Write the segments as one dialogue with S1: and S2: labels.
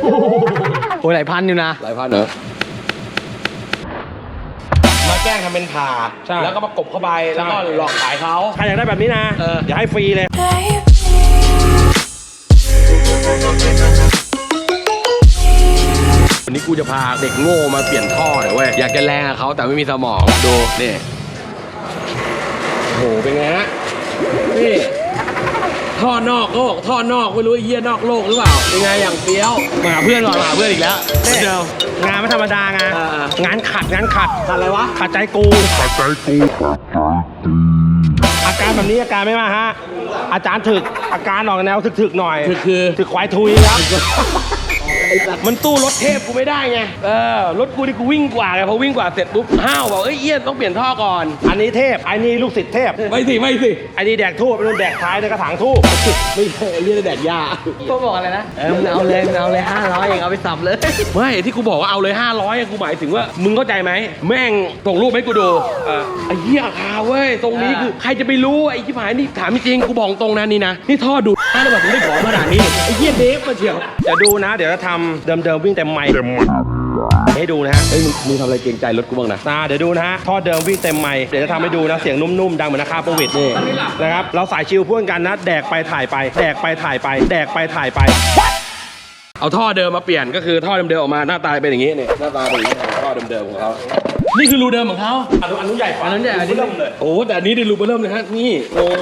S1: โอ้ยหลายพันอยู่นะ
S2: หลายพันเหรอมาแกล้งทำเป็นผ่าแล้วก็มากบเข้าไปแล้วก็หลอกขายเขา
S3: ใครอยากได้แบบนี้นะเดี๋ยวให้ฟรีเลย
S2: วันนี้กูจะพาเด็กโง่มาเปลี่ยนท่อหน่อยเว้ยอยากจะแรงกับเขาแต่ไม่มีสมองดูนี่โหเป็นไงฮะนี่ท่อนอกโลกท่อนอกไม่รู้เยี่ยนอกโลกหรือเปล่าเป็นไงอย่างเฟี้ยวมาหาเพื่อนก่อนมาหาเพื่อนอีกแล้วเดี๋ยว
S3: งานไม่ธรรมดางานขัดอะไรวะขัดใจกูอาการแบบนี้อาการไม่มาฮะอาจารย์ถึกอาการออกแนวถึกหน่อยถึกควายทุยครับมันตู้รถเทพกูไม่ได้ไงรถกูนี่กูวิ่งกว่าไงพอวิ่งกว่าเสร็จปุ๊บห้าวบอกเอี้ยต้องเปลี่ยนท่อก่อนอันนี้เทพอันนี้ลูกศิษย์เทพไม่สิอันนี้แดกทูบเป็นแดกท้ายในกระถางทูบไม่ใช่เรียกแดกหญ้า
S1: ก็บอกอะไรนะมึงเอาเลย500เองเอาไปสับเลย
S2: ไม่ที่กูบอกว่าเอาเลย500กูหมายถึงว่ามึงเข้าใจไหมแม่งส่งรูปให้กูดูไอ้เหี้ยอาคาเว้ยตรงนี้คือใครจะไปรู้ไอ้ที่หายนี่ถามจริงกูบอกตรงนั้นนี่นะนี่ท่อดูดแล้วแบบถึงได้ของขนาดนี้ไอ้เหี้ยเดฟมาเชียว
S3: เดี๋ยวดูนะเดี๋ยวจะทำเดิมวิ่งเต็มไมค์ให้ดูนะฮะ
S2: เฮ้ยมึงทำอะไรเกรงใจรถกูบ้างนะ
S3: เดี๋ยวดูนะฮะท่อเดิมวิ่งเต็มไมค์เดี๋ยวจะทำให้ดูนะเสียงนุ่มๆดังเหมือนนาคาโปวิดนี่นะครับเราสายชิลพ่วงกันนะแดกไปถ่ายไปแดกไปถ่ายไปแดกไปถ่ายไป
S2: เอาท่อเดิมมาเปลี่ยนก็คือท่อเดิมๆออกมาหน้าตาเป็นอย่างนี้นี่หน้าตาเป็นอย่างนี้ท่อเดิมๆของเขานี่คือรูเดิมของเขา
S3: อันนู้นใหญ่กว่า
S1: อันนั้นใหญ่อันนี้
S3: เริ่มเลย
S2: โอ้แต่อันนี้ได้รูเริ่มเลยฮะนี่โอ้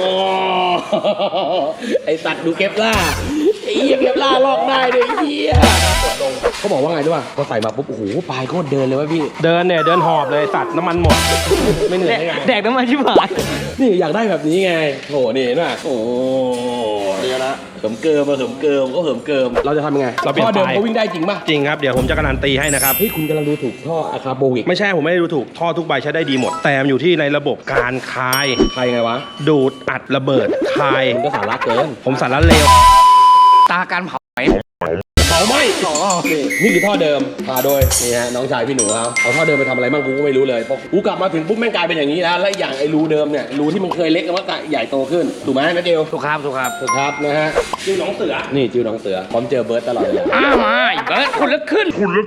S2: ไอสัตว์ดูเก็บล่าไอ้เหี้ยเก็บล่าลอกได้เลยเหี้ยเขาบอกว่าไงด้วยพอใส่มาปุ๊บโอ้โหปลายโคตรเดินเลยวะพี่
S3: เดินหอบเลยสัตว์น้ำมันหมดไม่เหนื่อยได้ไง
S1: แดกน้ำมันชิบหาย
S2: นี่อยากได้แบบนี้ไงโหนี่เห็นป่ะโอ้เดี๋ยวนะเหิมเกิมก็เหิมเกิมเราจะทำยังไงท่อเดิมเขาวิ่งได้จริงป่ะ
S3: จริงครับเดี๋ยวผมจะการันตีให้นะครับ
S2: เฮ้ยคุณกำลังดูถูกท่ออะคาโบวิก
S3: ไม่ใช่ผมไม่ได้ดูถูกท่อทุกใบใช้ได้ดีหมดแต่มันอยู่ที่ในระบบการคาย
S2: ไงวะ
S3: ดูดอัดระเบิดคาย
S2: ก็สาระเกิน
S3: ผมสาระเลว
S1: ตาการเผาไหม
S2: นี่คือท่อเดิมพาโดยนี่ฮะน้องชายพี่หนูครับเอาท่อเดิมไปทำอะไรบ้างกูก็ไม่รู้เลยกูกลับมาถึงปุ๊บแม่งกลายเป็นอย่างนี้แล้วและอย่างไอ้รูเดิมเนี่ยรูที่มันเคยเล็กมันก็ใหญ่โตขึ้นถูกไหมนะเดียว
S1: ถูกครับ
S2: นะฮะ
S3: จิ้วน้องเสือ
S2: นี่จิ้วน้องเสือพร้อมเจอเบิร์ดตลอดเลย
S1: มาเบิร์ดคุณลึกขึ้น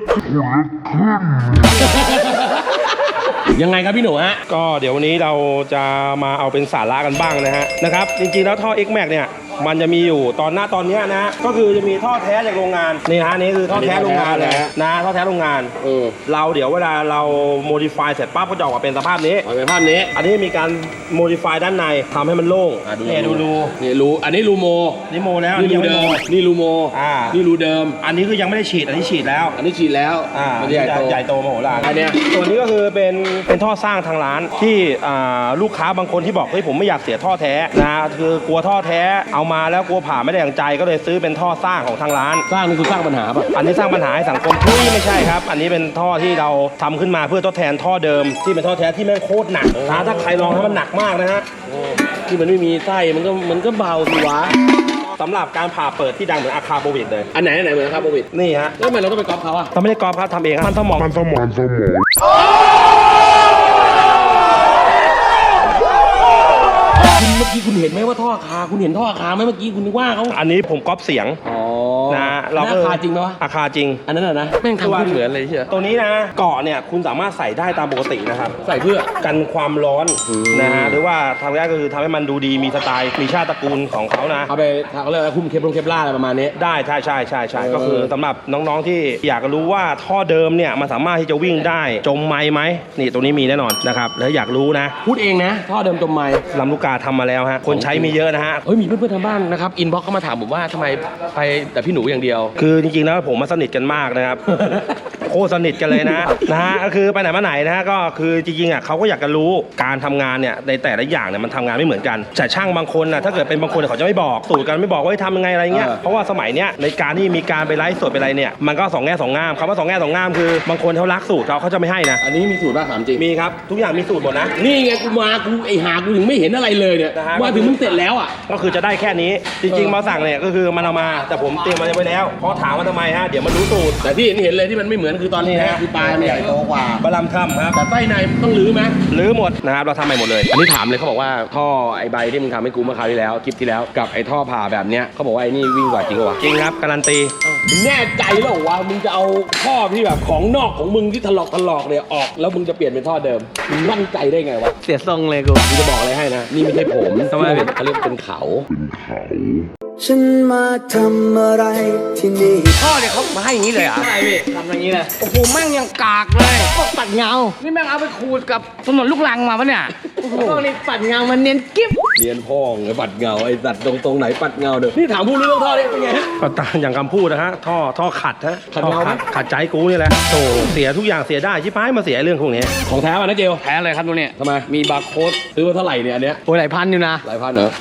S2: ยังไงครับพี่หนูฮะ
S3: ก็เดี๋ยววันนี้เราจะมาเอาเป็นสาระกันบ้างนะครับจริงๆแล้วท่อ X-Max เนี่ยมันจะมีอยู่ตอนนี้นะก็คือจะมีท่อแท้จากโรงงานนี่ฮะนี่คือท่อแท้โรงงานเลยนะท่อแท้โรงงานเราเดี๋ยวเวลาเรา modify เสร็จปั๊บก็จะออกมาเป็นสภาพนี้
S2: เป็นภาพนี้
S3: อันนี้มีการ modify ด้านในทำให้มันโล่ง
S2: นี่ดูรูนี่รูอันนี้รูโม
S3: นี่โมแล้ว
S2: นี่รูเดิมนี่รูโมนี่รูเดิม
S3: อันนี้คือยังไม่ได้ฉีดอันนี้ฉีดแล้ว
S2: มัน
S3: ใหญ่โตมโหฬาร
S2: อันนี้
S3: ส่วนนี้ก็คือเป็นท่อสร้างทางร้านที่ลูกค้าบางคนที่บอกเฮ้ยผมไม่อยากเสียท่อแท้นะคือกลัวท่อแท้เอามาแล้วกลัวผ่าไม่ได้อย่างใจก็เลยซื้อเป็นท่อสร้างของทางร้าน
S2: สร้างนี่คือสร้างปัญหาป่ะ
S3: อันนี้สร้างปัญหาให้สังคมที่ไม่ใช่ครับอันนี้เป็นท่อที่เราทำขึ้นมาเพื่อทดแทนท่อเดิมที่เป็นท่อแท้ที่แม่งโคตรหนักถ้าใครลองถ้ามันหนักมากนะฮะ
S2: ที่มันไม่มีไส้มันก็เบาสิวะ
S3: สำหรับการผ่าเปิดที่ดังเหมือนอาคาโบวิดเลย
S2: อันไหนเหมือนอาคาโบวิด
S3: นี่ฮะ
S2: แล้วทำไมเราต้องไปก๊อปเขาอะ
S3: เราไม่ได้ก๊อปครับทำเองมันสมอง
S2: เมื่อกี้คุณเห็นไหมว่าท่ออาคาคุณเห็นท่ออาคาไหมเมื่อกี้คุณนึกว่าเขา
S3: อันนี้ผมก๊อปเสียงนะ
S2: เราอาคาจริงไหมวะ
S3: อาคาจริง
S2: อันนั้นนะ
S1: แม่งทำเหมือนเลยเชียว
S3: ตัวนี้นะเกาะเนี่ยคุณสามารถใส่ได้ตามปกตินะครับ
S2: ใส่เพื่อ
S3: กันความร้อนนะฮะหรือว่าทำแรกก็คือทำให้มันดูดีมีสไตล์มีชาติตระกูลของเขานะ
S2: เอาไปเขาเรียกว่าคุ้มเคปล่าอะไรประมาณนี้
S3: ได้ใช่ก็คือสำหรับน้องๆที่อยากรู้ว่าท่อเดิมเนี่ยมันสามารถที่จะวิ่งได้จมไม้ไหมนี่ตรงนี้มีแน่นอนนะครับแล้วอยากรู้นะ
S2: พูดเองนะท่อเดิมจมไม้
S3: ลำลูกกาทำมาแล้วฮะคนใช้มีเยอะนะฮะ
S2: มีเพื่อนๆทางบ้านนะครับอินบ็อกซ์เข้ามาถามผมว่าทำไมไปแต่พี่หนูอย่างเดียว
S3: คือจริงๆแล้วผมมาสนิทกันมากนะครับ โคตรสนิทกันเลยนะฮะก็คือไปไหนมาไหนนะฮะก็คือจริงๆอ่ะเขาก็อยากจะรู้การทำงานเนี่ยในแต่ละอย่างเนี่ยมันทำงานไม่เหมือนกันแต่ช่างบางคนน่ะถ้าเกิดเป็นบางคนเขาจะไม่บอกสูตรกันไม่บอกว่าทำยังไงอะไรเงี้ยเพราะว่าสมัยเนี้ยในการที่มีการไปไลฟ์สดไปอะไรเนี่ยมันก็สองแง่สองงามคำว่าสองแง่สองงามคือบางคนเขารักสูตรเขาจะไม่ให้นะ
S2: อันนี้มีสูตรป่ะถามจริง
S3: มีครับทุกอย่างมีสูตรหมดนะ
S2: นี่ไงกูไอหากูถึงไม่เห็นอะไรเลยเนี่ยมาถึงมึงเสร็จแล้วอ่ะ
S3: ก็คือจะได้แค่นี้จริงๆมาสั่งเนี่ยก็คือมันเอามาแต่ผมเตรียมมาไว้แล้วเพราะถามว่าทำไมฮะเดี๋ยวมันรู้สูตร
S2: แต่ที่เห็นเลยที่มันไม่เหมือนคือตอนนี้
S3: นี่
S2: นะ
S3: นะ
S2: คือปลายมันใหญ่โตกว่า
S3: บะลำค่ำครับ
S2: แต่ไส้ในมันต้องรื้อไหม
S3: รื้อหมดนะครับเราทำใหม่หมดเลย
S2: อันนี้ถามเลยเขาบอกว่าท่อไอ้ใบที่มึงทำให้กูเมื่อคราวที่แล้วคลิปที่แล้วกับไอ้ท่อผ่าแบบเนี้ยเขาบอกว่าไอ้นี่วิ่งกว่าจริงเหรอวะ
S3: จริงครับการันตี
S2: มึงแน่ใจแล้วเหรอวะมึงจะเอาท่อที่แบบของนอกของมึงที่ถลอกเนี่ยออกแล้วมึงจะเปลี่ยนเป็นท่อเดิมมึงมั่นใจได้ไงวะ
S1: เสียทรงเลยกู
S2: กูจะบอกอะไรให้นะนี่ไม่ใช่ผม
S1: ทำไม
S2: เขาเรียกเป็นเขา
S4: ฉันมาทำอะไรที่นี่
S1: พ่อเนี่ยเขามาให้อย่างนี้เลยเหรอ่ะใช่พี่ทำอย่างนี้เลยโอ้โหแม่งยังกากเลยพวกปัดเงา นี่แม่งเอาไปขูดกับถนนลูกรังมาปะเนี่ยโอ้โหพวกนี้ปัดเงามันเนียนกิ๊บ
S2: เรียนพ่องไอ้ปัดเงาไอ้สัตว์ตรงไหนปัดเงาเด้อนี่ถามผู้รู้เรื่องท่อนี่เป็นไงฮะ
S3: ก็ตามอย่างคำพูดนะฮะท่อขัดฮะ
S2: ขัด
S3: ท่อ
S2: เงาไหม
S3: ขัดใจกูนี่แหละโธ่เสียทุกอย่างเสียได้ชิบหายมาเสียเรื่องพวกนี้
S2: ของแท้ป่ะนะเจล
S1: แพ้เลยครับตัวเนี้ย
S2: ทำไมมีบาร์โค้ดซื้อมาเท่าไหร่เนี่ยอันเนี้ย
S1: โอ้ยหลายพันอยู่นะ
S2: หลายพันเหรอ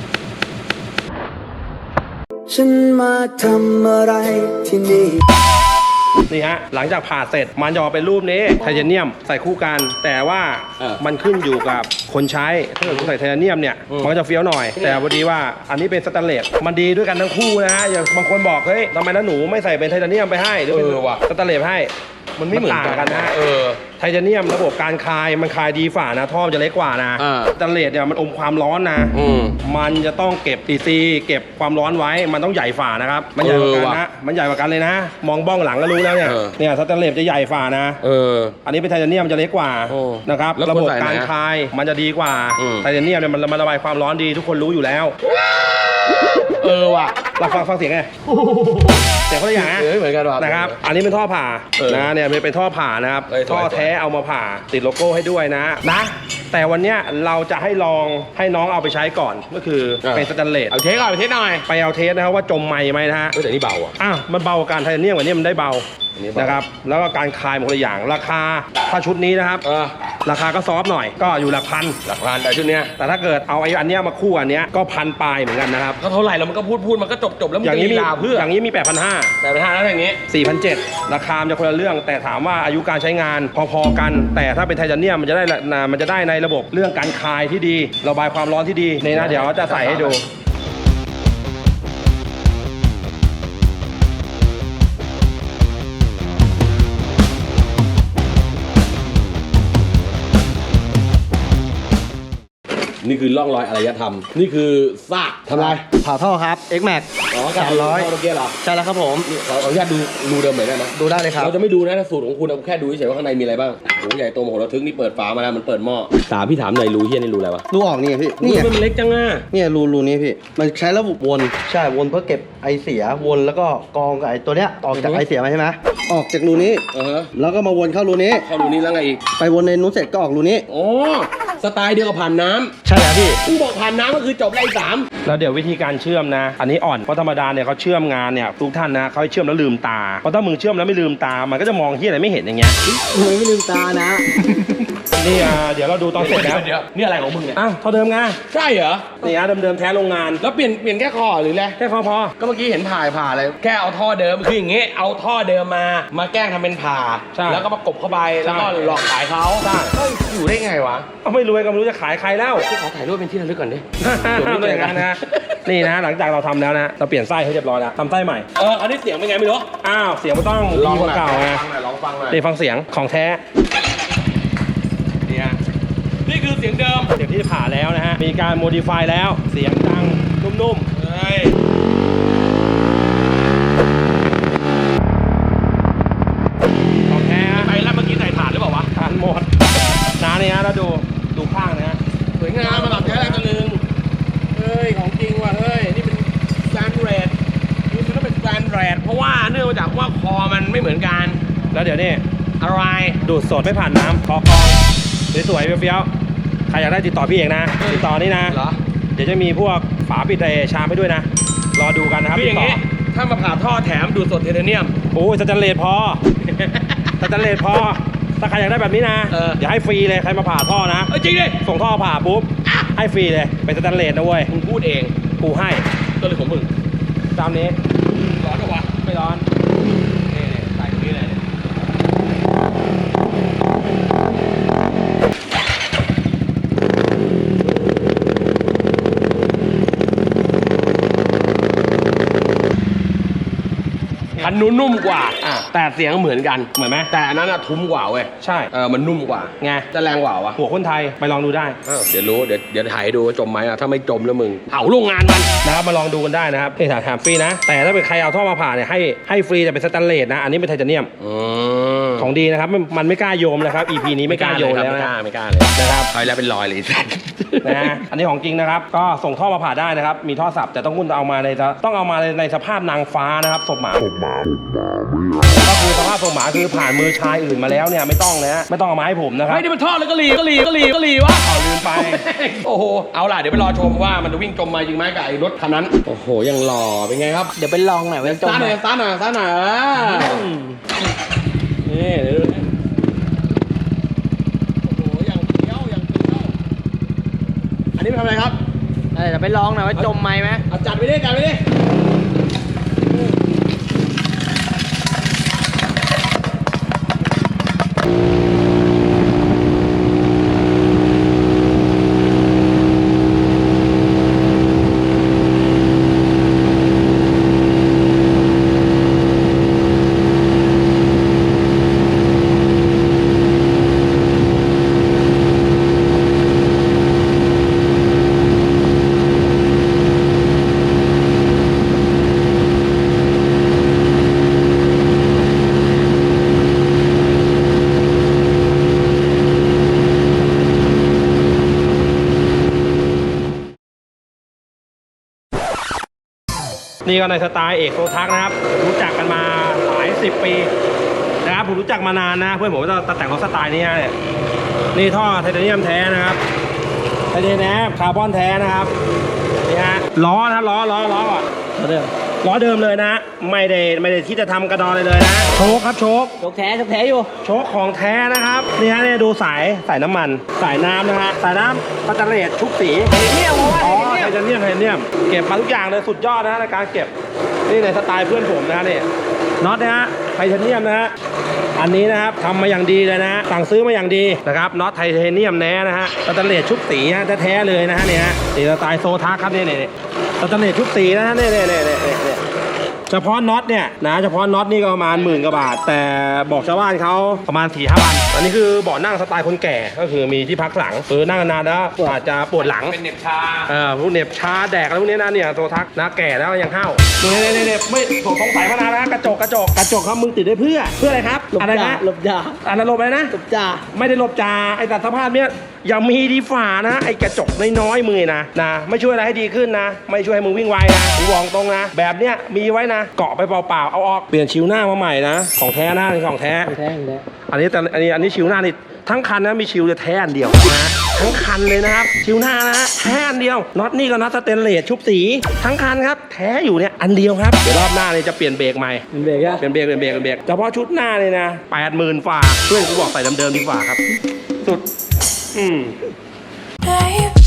S4: ฉันมาทำอะไรที่นี่
S3: นี่ฮะหลังจากผ่าเสร็จมันจะออกเป็นรูปนี้ไทเทเนียมใส่คู่กัน แต่ว่ามันขึ้นอยู่กับคนใช้ถ้าเกิดคุณใส่ไทเทเนียมเนี่ยมันก็จะเฟี้ยวหน่อย แต่พอดีว่าอันนี้เป็นสแตนเลสมันดีด้วยกันทั้งคู่นะฮะอย่างบางคนบอกเฮ้ยทำไมนะหนูไม่ใส่เป็นไทเทเนียมไปให้หรือเป็นสแตนเลสให้มันไม่เหมือนกันนะ ไทเทเนียมระบบการคายมันคายดีฝ่านะท่อมันจะเล็กกว่านะสแตนเลสเนี่ยมันอมความร้อนนะมันจะต้องเก็บดีซีเก็บความร้อนไว้มันต้องใหญ่ฝ่านะครับมันใหญ่กว่ากันนะมันใหญ่กว่ากันเลยนะ มองบ้องหลังก็รู้แล้วเนี่ยสแตนเลสจะใหญ่ฝ่านะอันนี้เป็นไทเทเนียมจะเล็กกว่านะครับระบบการคายมันจะดีกว่าไทเทเนียมเนี่ยมันระบายความร้อนดีทุกคนรู้อยู่แล้วว่ะเราฟังเสียงไงเสียงเขาอย่างนะ
S2: เหมือนกันว่ะ
S3: นะครับอันนี้เป็นท่อผ่านะเนี่ยเป็นท่อผ่านะครับท่อแท้เอามาผ่าติดโลโก้ให้ด้วยนะแต่วันเนี้ยเราจะให้ลองให้น้องเอาไปใช้ก่อนก็คือเป็นสแตนเลส
S2: เอาเทสก่อนเอาเทสหน่อย
S3: ไปเอาเทสนะครับว่าจมไหมไหมนะฮะ
S2: แต่นี่เบาอ่ะ
S3: มันเบากว่าการไทเทเนียมกว่านี้มันได้เบา
S2: อันนี้เบาน
S3: นะครับแล้วก็การคลายหมดเลยอย่างราคาถ้าชุดนี้นะครับราคาก็ซอฟต์หน่อยก็อยู่หลักพัน
S2: หลักพันแต่ชุดเนี้ย
S3: แต่ถ้าเกิดเอาไอ้อันเนี้ยมาคู่อันเนี้ยก็พันปลายเหมือนกันนะครับ
S2: ก็เท่าไหร่แล้วมันก็พูดมันก็จบแล้วมึง
S3: อย่าง
S2: จะ
S3: นี้
S2: ลี
S3: มี
S2: ลาเพื่อ
S3: อย่างนี้มี 8,500
S2: แต่ไปทานแล้วอย่างนี้
S3: 4,700 ราคามันจะคนละเรื่อง แต่ถามว่าอายุการใช้งานพอๆกัน แต่ถ้าเป็นไทเทเนียมมันจะได้ในระบบเรื่องการคายที่ดีระบายความร้อนที่ดีในนะเดี๋ยวจะใส่ให้ดู
S2: นี่คือร่องรอยอารยธรรมนี่คือซากทำไร
S1: ผ่าท่อครับ X Max 300
S2: เมื่อกี้เหรอ
S1: ใช่แล้วครับผม
S2: นี่ขออนุญาตดูรูเดิมหน่อยได้ไหม
S1: ดูได้เลยครับ
S2: เราจะไม่ดูนะสูตรของคุณเราแค่ดูเฉยๆว่าข้างในมีอะไรบ้างโอ้โหใหญ่โตมโหฬารทึกนี่เปิดฝามาแล้วมันเปิดหม้อพี่ถามหน่อยรูเฮียนี่รูอะไรวะ
S1: รูออกนี่พี่
S2: รูมันเล็กจังอ่ะ
S1: เนี่ยรูนี้พี่ มันใช้ระบบวนใช่วนเพื่อเก็บไอเสียวนแล้วก็กองกับไอตัวเนี้ยออกจากไอเสียมาใช่ไหมออกจากรูนี้ แล้วก็มาวนเข้ารูนี้
S2: เข้ารูนี้แล้วไงอีก
S1: ไปวนในนู้นเสร็จก็ออกรูนี้
S2: อ๋อสไตล์เดียวกับผ่านน้ำ
S1: ใช่แล้วพี่
S2: กูบอกผ่านน้ำก็คือจบไล่สาม
S3: แล้วเดี๋ยววิธีการเชื่อมนะ อันนี้อ่อนเพราะธรรมดาเนี่ยเขาเชื่อมงานเนี่ยทุกท่านนะเขาให้เชื่อมแล้วลืมตาเพราะถ้ามึงเชื่อมแล้วไม่ลืมตามันก็จะมองที่อะไรไม่เห็นอย่างเงี้ย
S1: ไม่ลืมตานะ
S3: นี่เดี๋ยวเราดูตอนเสร็จแล้ว
S2: เดี๋ยวนี่อะไรของมึงเนี่ย
S3: เท่าเดิมไง
S2: ใช่เหรอ
S3: นี่เดิมแท้โรงงาน
S2: แล้วเปลี่ยนแค่คอหรืออะไร
S3: แค่พอ
S2: ก็เมื่อกี้เห็นผ่าอะไรแค่เอาท่อเดิมคืออย่างงี้เอาท่อเดิมมาแกล้งทำเป็นผ่า
S3: ใช่
S2: แล้วก็ประกบเข้าไปแล้วก็หลอกขายเขา
S3: ใช่
S2: เฮ้ยอยู่ได้ไงวะ
S3: เอาไม่รวยก็ไม่รู้จะขายใครแล้ว
S2: ขอถ่ายรูปเป็นที่ระลึกก่อนดิ
S3: ไม่อย่างนั้นนะนี่นะหลังจากเราทำแล้วนะเราเปลี่ยนไส้ให้เรียบร้อยแล้วทำไส้ใหม่
S2: อันนี้เสียงเป็นไงไม่รู้
S3: เสียงมันต้องดีกว่าเก่าไง
S2: ลองฟังหน่อย
S3: นี่ฟังเสียงของแท้
S2: เนี่ยนี่คือเสียงเดิม
S3: เสียงที่ผ่าแล้วนะฮะมีการโมดิฟายแล้วเสียงดังนุ่มๆ
S2: เฮ้ย
S3: ของแท้
S2: ไปแล้วเมื่อกี้ใส่ถ่านหรือเปล่าวะ
S3: ทานหมดน้าเนี่ยฮะแล้วดูข้างนะฮะ
S2: สวยงามมาหลับแท้แรงตะลึงเฮ้ยของจริงว่ะเฮ้ยนี่เป็นสแตนเรดนี่มันต้องเป็นสแตนเรดเพราะว่าเนื่องมาจากว่าคอมันไม่เหมือนกัน
S3: แล้วเดี๋ยวนี่
S2: อะไร
S3: ดูดสดไม่ผ่านน้ำคอกองสวยๆเฟี้ยวๆใครอยากได้ติดต่อพี่เองนะติดต่อนี่นะ
S2: เหรอ
S3: เดี๋ยวจะมีพวกฝาปิดชามให้ด้วยนะรอดูกันนะครับ
S2: คืออย่าง
S3: นี้
S2: งี้ถ้ามาผ่าท่อแถมดูดสดไทเทเนียม
S3: โอ้ยสแตนเลสพอสแตนเลสพอถ้าใครอยากได้แบบนี้นะเดี๋ยวให้ฟรีเลยใครมาผ่าท่อนะ
S2: จริงดิ
S3: ส่งท่อผ่าปุ๊บให้ฟรีเลยเป็นสแตนเลสนะเว้ย
S2: มึงพูดเอง
S3: กูให้
S2: ก็เลยของมึง
S3: ตามนี้
S2: ร้อนเหรอวะ
S3: ไม่ร้อน
S2: นี่ใส่ตรงนี้เลยคันนู้นนุ่มกว่าแต่เสียงเหมือนกัน
S3: เหมือนไหม
S2: แต่อันนั้นอะทุ้มกว่าเว้ย
S3: ใช่
S2: มันนุ่มกว่า
S3: ไง
S2: จะแรงกว่าวะ
S3: หัวคนไทยไปลองดูได้
S2: เดี๋ยวรู้เดี๋ยวถ่ายดูว่าจมไหมอะถ้าไม่จมแล้วมึงเผาโรงงานมัน
S3: นะครับมาลองดูกันได้นะครับนี่ถามฟรีนะ แต่ถ้าเป็นใครเอาท่อมาผ่าเนี่ยให้ฟรีแต่เป็นสแตนเลสนะ อันนี้เป็นไทเทเนียมของดีนะครับมันไม่กล้าโยมนะครับ EP นี้ไม่กล้าโยมแล้วนะ
S2: ไม่กล้าเลย
S3: นะครับ
S2: ใครแล้วเป็นรอยเลยสัตว์
S3: นะฮะอันนี้ของจริงนะครับ ก็ส่งท่อมาผ่าได้นะครับ มีท่อสับแต่ต้องเอามาในสภาพนางฟ้านะครับศพหมาก็คือสภาพศพหมาคือผ่านมือชายอื่นมาแล้วเนี่ยไม่ต้องนะฮะไม่ต้องเอามาให้ผมนะครับ
S2: ไม่ได้เป็นท่อเลยก็หลีวะ
S3: เอาลืมไป
S2: โอ้โหเอาล่ะเดี๋ยวไปรอชมว่ามันจะวิ่งจมมาจริงไหมกับไอ้รถคันนั้นโอ้โหยังหล่อเป็นไงครับ
S1: เดี๋ยวไปลองหน่อยว่าจม
S2: ซ่าห
S1: ไหม
S2: น่อยซ่าหน่อยนี่เดี๋ยวดูนะโอ้โหอย่างเกี้ยวอันนี้ไปทำอะไรครับ
S1: เดี๋ยวไปลองหน่อยว่าจมไหม
S2: เอาจัดไปดิ
S3: นี่ก็ในสไตล์เอกโซทักนะครับรู้จักกันมาหลาย10 ปีนะครับผมรู้จักมานานนะเพื่อนผมก็จะแต่งรถสไตล์นี้เนี่ยนี่ท่อไทเทเนียมแท้นะครับไทเทเนียมคาร์บอนแท้นะครับนี่ฮะล้อนะล้อก่อนล้อเดิมเลยนะไม่ได้ที่จะทำกระดอนเลยนะโชคครับโชค
S1: ยกแท้อยู่
S3: โชคของแท้นะครับนี่ฮะเนี่ยดูสายน้ำมันสายน้ำนะฮะสายน้ำสแตนเลสชุบสี
S1: เนี่ยผมว่า
S3: อ๋อไทเทเนียมเก็บมาทุกอย่างเลยสุดยอดนะฮะในการเก็บนี่ในสไตล์เพื่อนผมนะฮะนี่น็อตนะฮะไทเทเนียมนะฮะอันนี้นะครับทำมาอย่างดีเลยนะฮะสั่งซื้อมาอย่างดีนะครับน็อตไทเทเนียมแน่นะฮะสแตนเลสชุบสีฮะแท้ๆเลยนะฮะนี่ฮะนี่สไตล์โซทักครับนี่สแตนเลสชุบสีนะฮะนี่เฉพาะน็อตเนี่ยนะเฉพาะน็อตนี่ก็ประมาณ10,000 กว่าบาทแต่บอกชาวบ้านเขาประมาณ 4-5 วันอันนี้คือเบาะนั่งสไตล์คนแก่ก็คือมีที่พักหลังนั่งนานๆแล้วอาจจะปวดหลัง
S2: เป็นเหน็บชา
S3: พวกเหน็บชาแดกอะไรพวกนี้นะเนี่ยโซทักนะแก่แล้วยังห้าวเนี่ยไม่สงสัยมานานแล้วกระจกครับมึงติดได้เพื่ออะไรครับอะไรนะ
S1: หลบจ่า
S3: อันนั้นหลบอะไรนะ
S1: หลบจ่า
S3: ไม่ได้หลบจ่าไอ้แต่สภาพเนี้ยอย่ามีดีฝ่านะไอ้กระจกน้อยๆมือนะไม่ช่วยอะไรให้ดีขึ้นนะไม่ช่วยให้มึงวิ่งไวนะกูบอกตรงนะแบบเนี้ยมีไว้นะเกาะไปเปล่าๆเอาออกเปลี่ยนชิวหน้ามาใหม่นะของแท้นะนี่ของแท้
S1: แท้อยู่แล้ว
S3: อันนี้ชิวหน้านี่ทั้งคันนะมีชิวจะแท้อันเดียวนะทั้งคันเลยนะครับชิวหน้านะแท้อันเดียวน็อตนี่ก็น็อตสเตนเลสชุบสีทั้งคันครับแท้อยู่เนี่ยอันเดียวครับเดี๋ยวรอบหน้าเนี่ยจะเปลี่ยนเบรกใหม่
S1: เป็นเบรกอะ
S3: เปลี่ยนเบรกเฉพาะชุดหน้าเลยนะ80,000 ฝ่าเพื่อนกูบอกใส่เดิมๆดีกว่าครับสุด
S5: Babe